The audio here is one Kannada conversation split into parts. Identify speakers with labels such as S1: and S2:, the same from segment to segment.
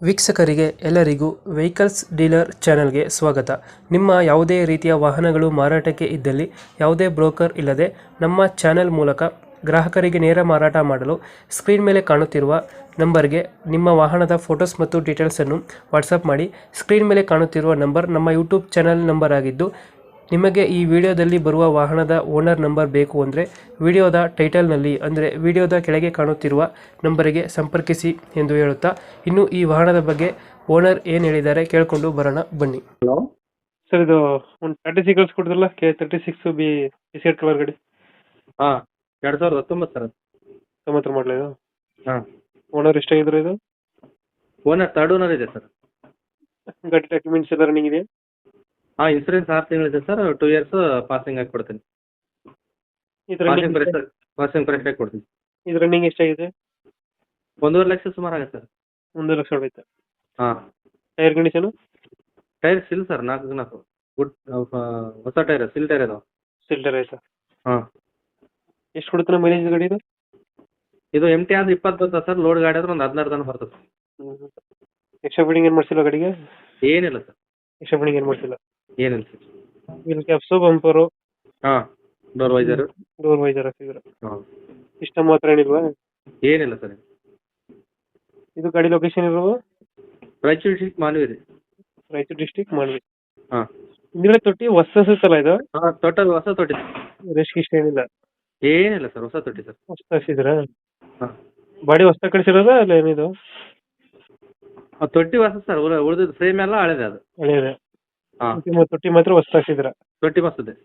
S1: ವೀಕ್ಷಕರಿಗೆ ಎಲ್ಲರಿಗೂ ವೆಹಿಕಲ್ಸ್ ಡೀಲರ್ ಚಾನೆಲ್ಗೆ ಸ್ವಾಗತ. ನಿಮ್ಮ ಯಾವುದೇ ರೀತಿಯ ವಾಹನಗಳು ಮಾರಾಟಕ್ಕೆ ಇದ್ದಲ್ಲಿ ಯಾವುದೇ ಬ್ರೋಕರ್ ಇಲ್ಲದೆ ನಮ್ಮ ಚಾನೆಲ್ ಮೂಲಕ ಗ್ರಾಹಕರಿಗೆ ನೇರ ಮಾರಾಟ ಮಾಡಲು ಸ್ಕ್ರೀನ್ ಮೇಲೆ ಕಾಣುತ್ತಿರುವ ನಂಬರ್ಗೆ ನಿಮ್ಮ ವಾಹನದ ಫೋಟೋಸ್ ಮತ್ತು ಡೀಟೇಲ್ಸನ್ನು ವಾಟ್ಸಪ್ ಮಾಡಿ. ಸ್ಕ್ರೀನ್ ಮೇಲೆ ಕಾಣುತ್ತಿರುವ ನಂಬರ್ ನಮ್ಮ ಯೂಟ್ಯೂಬ್ ಚಾನೆಲ್ ನಂಬರ್ ಆಗಿದ್ದು, ನಿಮಗೆ ಈ ವಿಡಿಯೋದಲ್ಲಿ ಬರುವ ವಾಹನದ ಓನರ್ ನಂಬರ್ ಬೇಕು ಅಂದರೆ ವಿಡಿಯೋದ ಟೈಟಲ್ನಲ್ಲಿ ಅಂದರೆ ವಿಡಿಯೋದ ಕೆಳಗೆ ಕಾಣುತ್ತಿರುವ ನಂಬರಿಗೆ ಸಂಪರ್ಕಿಸಿ ಎಂದು ಹೇಳುತ್ತಾ, ಇನ್ನು ಈ ವಾಹನದ ಬಗ್ಗೆ ಓನರ್ ಏನು ಹೇಳಿದ್ದಾರೆ ಕೇಳಿಕೊಂಡು ಬರೋಣ ಬನ್ನಿ.
S2: ಹಲೋ
S1: ಸರ್, ಇದು ಒಂದು 36 ಕಳಿಸ್ಕೊಡಿದ್ರಲ್ಲ, K36B ಬಿಸ್ಕೆಟ್ ಕಲರ್ ಗಾಡಿ,
S2: ಹಾಂ 2019 ಸರ್.
S1: 90 ಮಾಡಲ ಇದು?
S2: ಹಾಂ,
S1: ಓನರ್ ಎಷ್ಟಾಗಿದ್ರು ಇದು?
S2: ಓನರ್ ಥರ್ಡ್ ಓನರ್ ಇದೆ ಸರ್.
S1: ಗಾಡಿ ಡಾಕ್ಯುಮೆಂಟ್ಸ್ ಎಲ್ಲ ರನ್ನಿಂಗ್ ಇದೆ?
S2: ಹಾಂ, ಇನ್ಸೂರೆನ್ಸ್ 6 ತಿಂಗಳಿದೆ ಸರ್. 2 ಇಯರ್ಸ್ ಪಾಸಿಂಗ್ ಆಗಿ ಕೊಡ್ತೀನಿ.
S1: ಇದು
S2: ಪಾಸಿಂಗ್ ಫ್ರೆಶ್ ಆಗಿ ಕೊಡ್ತೀನಿ.
S1: ಇದು ರನ್ನಿಂಗ್ ಎಷ್ಟಾಗಿದೆ?
S2: 1.5 ಲಕ್ಷ ಸುಮಾರು ಆಗುತ್ತೆ ಸರ್.
S1: 1 ಲಕ್ಷ ಹೊಡೆಯುತ್ತೆ.
S2: ಹಾಂ,
S1: ಟೈರ್ ಕಂಡೀಷನು?
S2: ಟೈರ್ಸ್ ಇಲ್ಲ ಸರ್, 4 ಗುಡ್ ಹೊಸ ಟೈರ್, ಸಿಲ್ ಟೈರ್ ಇದಾವೆ.
S1: ಸಿಲ್ಟರ್ ಆಯ್ತಾ?
S2: ಹಾಂ,
S1: ಎಷ್ಟು ಕೊಡುತ್ತೆ ಮೈಲೇಜ್ ಗಾಡಿ ಇದು?
S2: ಇದು ಎಮ್ ಟಿ ಆದ್ರೆ 20 ಬರ್ತದೆ ಸರ್. ಲೋಡ್ ಗಾಡಿ ಆದ್ರೆ ಒಂದು 16 ತನಕ ಬರ್ತದೆ.
S1: ಎಕ್ಸ್ಟ್ರಾ ಫಿಟ್ಟಿಂಗ್ ಏನು ಮಾಡಿಸಿಲ್ಲ ಗಾಡಿಗೆ?
S2: ಏನಿಲ್ಲ ಸರ್,
S1: ಎಕ್ಸ್ಟ್ರಾ ಫಿಟ್ಟಿಂಗ್ ಏನು ಮಾಡಿಸಿಲ್ಲ.
S2: ಏನಿಲ್ಲ ಸರ್.
S1: ವೀಲ್ ಕ್ಯಾಪ್ಸು, ಬಂಪರು,
S2: ಹಾಂ, ಡೋರ್ ವೈಸರು.
S1: ಡೋರ್ ವೈಸರ್ ಹಾಕಿದ್ರೆ
S2: ಹಾಂ,
S1: ಸಿಸ್ಟಮ್ ಮಾತ್ರ ಏನಿಲ್ವಾ?
S2: ಏನಿಲ್ಲ ಸರ್.
S1: ಇದು ಗಾಡಿ ಲೊಕೇಶನ್ ಇರೋದು
S2: ರಾಯಚೂರು ಡಿಸ್ಟ್ರಿಕ್ಟ್ ಮಾನ್ವಿ ರೀ.
S1: ರಾಯಚೂರು ಡಿಸ್ಟಿಕ್ ಮಾನ್ವಿ.
S2: ಹಾಂ,
S1: ಹಿಂದ್ಗಡೆ ತೊಟ್ಟಿ ಹೊಸ ಸುತ್ತಲ್ಲ ಇದು?
S2: ಹಾಂ, ಟೋಟಲ್ ಹೊಸ ತೊಟ್ಟಿ.
S1: ರೆಸ್ಟ್ ಇಷ್ಟ ಏನಿಲ್ಲ?
S2: ಏನಿಲ್ಲ ಸರ್, ಹೊಸ ತೊಟ್ಟಿ ಸರ್.
S1: ಹೊಸ ಹಾಕ್ಸಿದ್ರ?
S2: ಹಾಂ,
S1: ಬಾಡಿ ಹೊಸ ಕಳಿಸಿರೋದ ಅಲ್ಲ ಏನಿದು?
S2: ತೊಟ್ಟಿ ಹೊಸ ಸರ್. ಉಳಿದಿದ್ದು ಫ್ರೇಮ್ ಎಲ್ಲ ಹಳೆದೆ ಅದು.
S1: ಹಳೆಯದೆ?
S2: ಹಾಂ,
S1: ತೊಟ್ಟಿ ಮಾತ್ರ ಹೊಸ ಹಾಕ್ಸಿದ್ರ?
S2: ತೊಟ್ಟಿ ಮಸ್ತಿದೆ.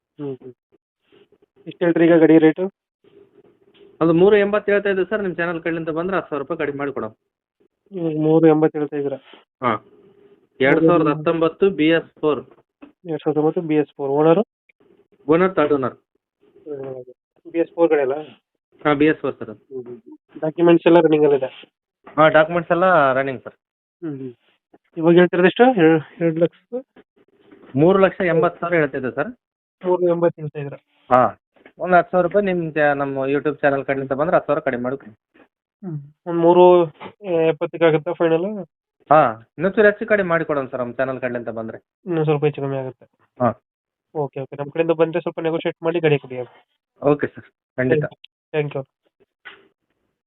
S1: ಎಷ್ಟು ಹೇಳ್ತೀರಿ ಈಗ ಗಾಡಿ ರೇಟು?
S2: ಅದು 380 ಹೇಳ್ತಾ ಇದ್ದೀವಿ ಸರ್. ನಿಮ್ಮ ಚಾನಲ್ ಕಡೆಯಿಂದ ಬಂದ್ರೆ 10,000 ರೂಪಾಯಿ ಕಡಿಮೆ ಮಾಡಿ ಕೊಡೋಣ.
S1: 380 ಹೇಳ್ತಾ ಇದ್ದೀರಾ?
S2: ಹಾಂ, 2019 BS4.
S1: 2019 BS4. Owner?
S2: Owner third owner.
S1: BS4 ಗಾಡಿ ಅಲ್ಲ?
S2: ಹಾಂ, BS4 ಸರ್.
S1: ಡಾಕ್ಯುಮೆಂಟ್ಸ್ ಎಲ್ಲ ರನ್ನಿಂಗ್ ಅಲ್ಲಿದೆ?
S2: ಹಾಂ, ಡಾಕ್ಯುಮೆಂಟ್ಸ್ ಎಲ್ಲ ರನ್ನಿಂಗ್ ಸರ್.
S1: ಇವಾಗ ಹೇಳ್ತಿರೋದು ಎಷ್ಟು? 2 ಲಕ್ಷ
S2: 3,80,000 ಹೇಳ್ತಿದ್ದೆ ಸರ್.
S1: 380 ಹೇಳ್ತಾ ಇದ್ದೀರಾ?
S2: ಹಾಂ, ಒಂದು 10,000 ರೂಪಾಯಿ ನಮ್ಮ ಯೂಟ್ಯೂಬ್ ಚಾನಲ್ ಕಡೆಯಿಂದ ಬಂದ್ರೆ 10,000 ಕಡಿಮೆ ಮಾಡಿ ಕೊಡಿ.
S1: ಒಂದು 370 ಆಗುತ್ತಾ ಫೈನಲ್?
S2: ಹಾಂ, ಇನ್ನೊಂಚೂರು ಹೆಚ್ಚು ಕಡಿಮೆ ಮಾಡಿ ಕೊಡೋಣ ಸರ್. ನಮ್ಮ ಚಾನಲ್ ಕಡೆಯಿಂದ ಬಂದರೆ
S1: ಇನ್ನೊಂದು ಸ್ವಲ್ಪ ಹೆಚ್ಚು ಕಮ್ಮಿ ಆಗುತ್ತೆ.
S2: ಹಾಂ,
S1: ಓಕೆ ಓಕೆ, ನಮ್ಮ ಕಡೆಯಿಂದ ಬಂದರೆ ಸ್ವಲ್ಪ ನೆಗೋಷಿಯೇಟ್ ಮಾಡಿ ಗಾಡಿ ಕೊಡಿ.
S2: ಓಕೆ ಸರ್, ಖಂಡಿತ.
S1: Thank you.